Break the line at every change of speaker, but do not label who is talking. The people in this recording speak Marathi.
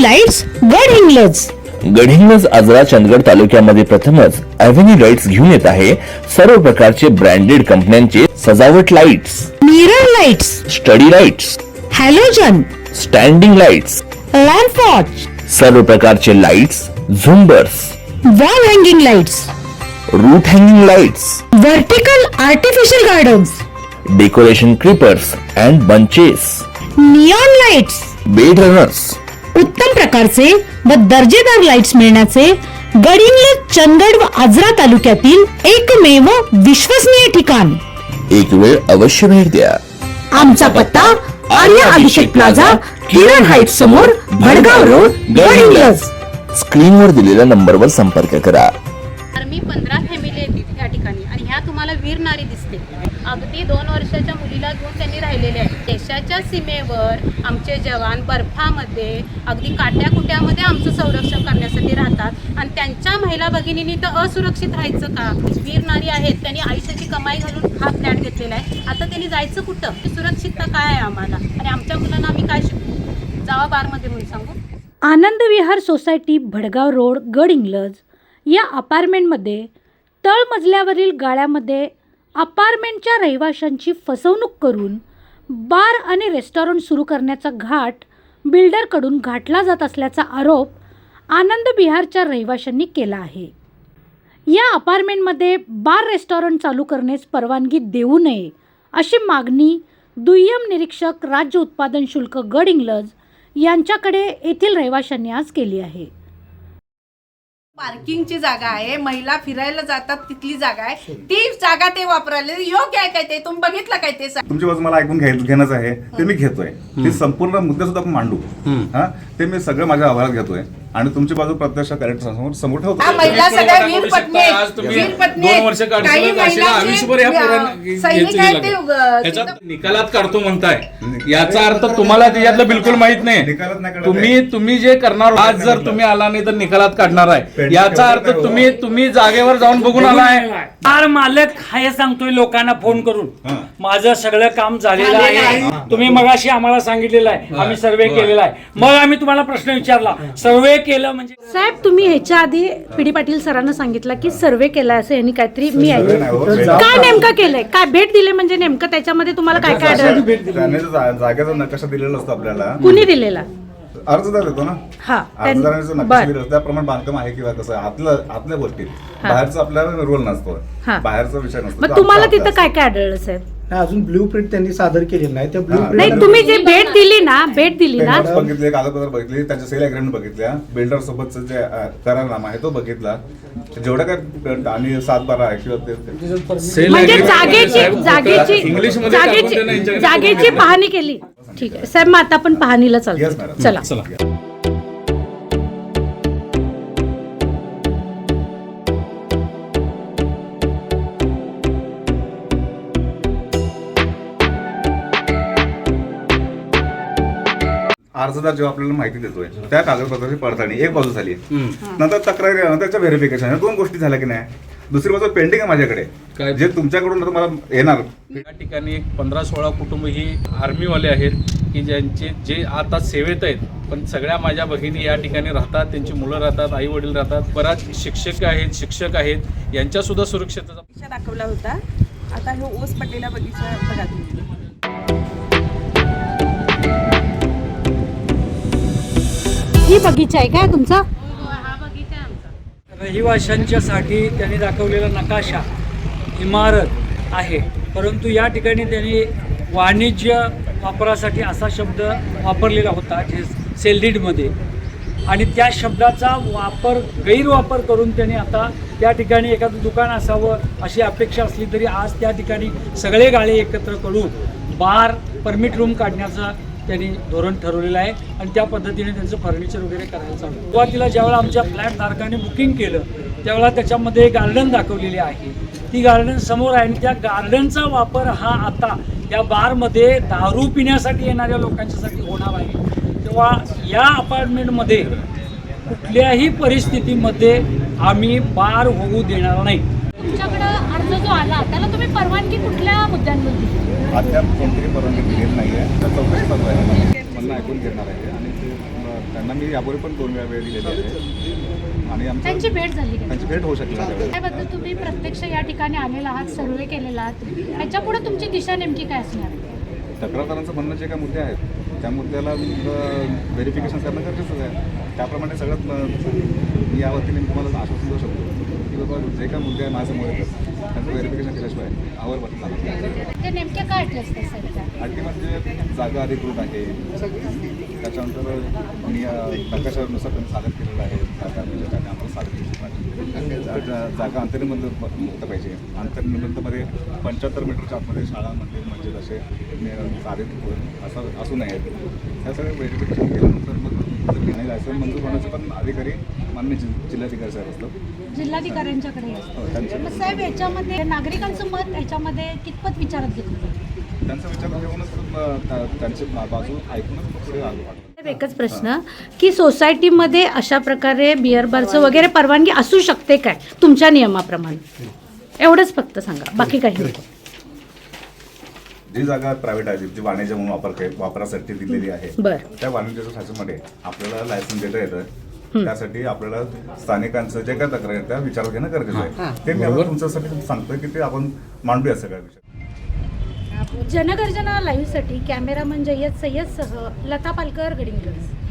लाईट्स गडहिंग्लज.
गडहिंग्लज आजरा चंदगड तालुक्यामध्ये प्रथमच अव्हेन्यू लाईट्स घेऊन येत आहे सर्व प्रकारचे ब्रँडेड कंपन्यांचे सजावट lights,
mirror lights,
study lights,
halogen,
standing lights,
lamp watch,
सर्व प्रकारचे लाईट्स, झुंबर्स,
wall hanging lights,
root hanging lights,
vertical artificial gardens,
decoration creepers and bunches,
neon lights,
bed runners.
उत्तम प्रकारचे व दर्जेदार लाईट्स मिळण्याचे गडहिंग्लज चंदगड व आजरा तालुक्यातील एकमेव विश्वसनीय ठिकाण.
एक वेळ अवश्य भेट द्या.
आमचा पत्ता आर्या अभिषेक प्लाझा, किरण हाईट्स समोर, भडगाव रोड, गडहिंग्लज.
स्क्रीनवर दिलेल्या नंबरवर संपर्क करा.
आर्मी 15 फॅमिली आहेत या ठिकाणी आणि ह्या तुम्हाला वीर नारी दिसते. अगदी 2 वर्षाच्या मुलीला घेऊन त्यांनी राहिलेले आहेत. देशाच्या सीमेवर आमचे जवान बर्फामध्ये अगदी काट्याकुट्यामध्ये आमचं संरक्षण करण्यासाठी राहतात आणि त्यांच्या महिला भगिनींनी तर असुरक्षित राहायचं का? वीर नारी आहेत, त्यांनी आयुष्याची कमाई घालून हा फ्लॅट घेतलेला आहे. आता त्यांनी जायचं कुठं? सुरक्षितता काय आहे आम्हाला आणि आमच्या मुलांना आम्ही काय शिकू? जावा बारमध्ये म्हणून सांगू.
आनंद विहार सोसायटी, भडगाव रोड, गडहिंग्लज या अपार्टमेंटमध्ये तळमजल्यावरील गाळ्यामध्ये अपार्टमेंटच्या रहिवाशांची फसवणूक करून बार आणि रेस्टॉरंट सुरू करण्याचा घाट बिल्डरकडून घातला जात असल्याचा आरोप आनंद विहारच्या रहिवाशांनी केला आहे. या अपार्टमेंटमध्ये बार रेस्टॉरंट चालू करण्यास परवानगी देऊ नये अशी मागणी दुय्यम निरीक्षक राज्य उत्पादन शुल्क गडहिंग्लज यांच्याकडे येथील रहिवाशांनी आज केली आहे.
पार्किंगची जागा आहे, महिला फिरायला जातात तिथली जागा आहे, ती जागा ते वापरायला योग्य आहे काय? ते तुम्ही बघितलं काय? ते
तुमची बाजू मला ऐकून घेणंच आहे, ते मी घेतोय. ते संपूर्ण मुद्दे सुद्धा आपण मांडू. हा, ते मी सगळं माझ्या अहवालात घेतोय आणि तुमची बाजू प्रत्यक्ष कलेक्टर समोर ठेवतो.
महिला सगळ्या वीर पत्नी काही
निकालात काढतो म्हणताय, याचा अर्थ तुम्हाला त्याच्यातलं बिलकुल माहित नाही. तुम्ही जे करणार आज जर तुम्ही आला नाही तर निकालात काढणार आहे, याचा अर्थ तुम्ही जागेवर जाऊन बघून आलाय.
फार मालक हाय सांगतोय लोकांना फोन करून, माझं सगळं काम झालेलं आहे. तुम्ही मगाशी आम्हाला सांगितलेलं आहे, आम्ही सर्वे केलेला आहे. मग आम्ही तुम्हाला प्रश्न विचारला, सर्वे केलं म्हणजे
साहेब तुम्ही ह्याच्या आधी पीडी पाटील सरांना सांगितलं की सर्वे केलाय असं यांनी काहीतरी मी ऐकलं. काय नेमकं केलंय? काय भेट दिले म्हणजे नेमकं त्याच्यामध्ये तुम्हाला काय काय आढळलं?
जागेचा नकाशा दिलेला असतो आपल्याला.
कुणी दिलेला?
अर्जदार देतो ना.
हा,
अर्जदारांचा नकाशा दिला त्याप्रमाणे बांधकाम आहे किंवा कसं आतल्या गोष्टी. बाहेरचा आपल्याला रोल नसतो, बाहेरचा विषय नसतो.
मग तुम्हाला तिथं काय काय आढळलं साहेब?
अजून ब्ल्यू प्रिंट त्यांनी सादर केलेली नाही. त्या ब्ल्यू
नाही, तुम्ही जे भेट दिली ना
बघितले, कागदपत्र बघितले, त्यांच्या सेल अग्रीमेंट बघितल्या, बिल्डर सोबतचा जे करारनामा आहे तो बघितला, जेवढा काय आणि 7-12 आहे किंवा
म्हणजे जागेची पाहणी केली. ठीक आहे साहेब, मग आता आपण पाहणीला चालतो. चला.
अर्जदार जेव्हा आपल्याला माहिती देतोय त्या कागदपत्राची पडताळणी एक बाजू झाली, नंतर तक्रारी, नंतरच्या व्हेरिफिकेशन, 2 गोष्टी झाल्या की नाही. दुसरी बाजू पेंडिंग आहे माझ्याकडे, जे तुमच्याकडून मला येणार.
या ठिकाणी 15-16 कुटुंब ही आर्मीवाले आहेत की जे आता सेवेत आहेत, पण सगळ्या माझ्या भगिनी या ठिकाणी राहतात, त्यांची मुलं राहतात, आई वडील राहतात, बराच शिक्षक आहेत, यांच्या सुद्धा सुरक्षेचा
दाखवला होता. आता हे ओस पडलेला बगीचा बघा तुम्ही.
ही बगीचा आहे काय तुमचा?
हा बगीचा आहे आमचा.
रहिवाशांच्यासाठी त्यांनी दाखवलेला नकाशा इमारत आहे, परंतु या ठिकाणी त्यांनी वाणिज्य वापरासाठी असा शब्द वापरलेला होता सेलडीडमध्ये, आणि त्या शब्दाचा गैरवापर करून त्यांनी आता त्या ठिकाणी एखादं दुकान असावं अशी अपेक्षा असली तरी आज त्या ठिकाणी सगळे गाळे एकत्र करून बार परमिट रूम काढण्याचा त्यांनी धोरण ठरवलेलं आहे आणि त्या पद्धतीने त्यांचं फर्निचर वगैरे करायला चालू. सुरुवातीला ज्यावेळेला आमच्या फ्लॅट धारकाने बुकिंग केलं त्यावेळेला त्याच्यामध्ये गार्डन दाखवलेली आहे, ती गार्डन समोर आहे आणि त्या गार्डनचा वापर हा आता या बारमध्ये दारू पिण्यासाठी येणाऱ्या लोकांच्यासाठी होणार आहे. तेव्हा या अपार्टमेंटमध्ये कुठल्याही परिस्थितीमध्ये आम्ही बार होऊ देणार नाही.
तुमच्याकडं अर्ज जो आला त्याला तुम्ही परवानगी कुठल्या मुद्द्यांवर दिली?
अद्याप कोणतीही परवानगी दिलेली नाही आहे. चौकशी चालू आहे, म्हणणं ऐकून घेणार आहे आणि त्यांना मी यापूर्वी पण 2 वेळा वेळ दिलेली आहे आणि आमचं
त्यांची भेट झाली का?
त्यांची भेट होऊ शकली नाही त्यावेळेस.
त्याबद्दल तुम्ही प्रत्यक्ष या ठिकाणी आलेला आहात, सर्वे केलेला आहात, ह्याच्यापुढे तुमची दिशा नेमकी काय असणार आहे?
तक्रारदारांचं म्हणणं जे काही मुद्दे आहेत त्या मुद्द्याला व्हेरिफिकेशन करणं गरजेचंच आहे. त्याप्रमाणे सगळ्यात मी या वतीने तुम्हाला आश्वासन देऊ शकतो की बाबा जे काही मुद्दे आहे माझ्यासमोर येतात त्यांचं व्हेरिफिकेशन केल्याशिवाय आवर बदल
ते नेमके काय अटले असते सर?
अटी म्हणजे जागा अधिकृत आहे, त्याच्यानंतर नकाशानुसार त्यांनी सादर केलेलं आहे, जागा त्याने आम्हाला सादर केली पाहिजे, जागा अंतर्निबंध मुक्त पाहिजे, अंतर्निबंधमध्ये 75 मीटरच्या आतमध्ये शाळा मंदिर म्हणजे असे साधित असं असू नयेत. त्या सगळं व्हेरिफिकेशन केल्यानंतर मग घेणे लायसन मंजूर होण्याचे पण अधिकारी मान्य जिल्हाधिकारी साहेब असतात,
जिल्हाधिकाऱ्यांच्याकडे असतं.
हो, त्यांचे
मग साहेब, याच्यामध्ये नागरिकांचं मत याच्यामध्ये कितपत विचारात घेतलं?
त्यांचा विचार घेऊनच त्यांची बाजू ऐकूनच मग पुढे आलो.
एकच प्रश्न की सोसायटीमध्ये अशा प्रकारे बिअर बारचं वगैरे परवानगी असू शकते काय तुमच्या नियमाप्रमाणे? एवढंच फक्त सांगा, बाकी काही नको.
जी जागा प्रायव्हेट आहे जी वाणिज्य म्हणून वापरासाठी दिलेली आहे
बरं.
त्या वाणिज्याच्या शासनामध्ये आपल्याला लायसन देता येतं. त्यासाठी आपल्याला स्थानिकांचं जे काय तक्रार आहे त्या विचारात घेणं गरजेचं आहे. ते मी आता तुमच्यासाठी सांगतोय की ते आपण मांडूया सगळ्या विषय.
जनगर्जना लाईव्हसाठी कॅमेरामन जय्यद सय्यदसह लता पालकर, गडिंग्लज.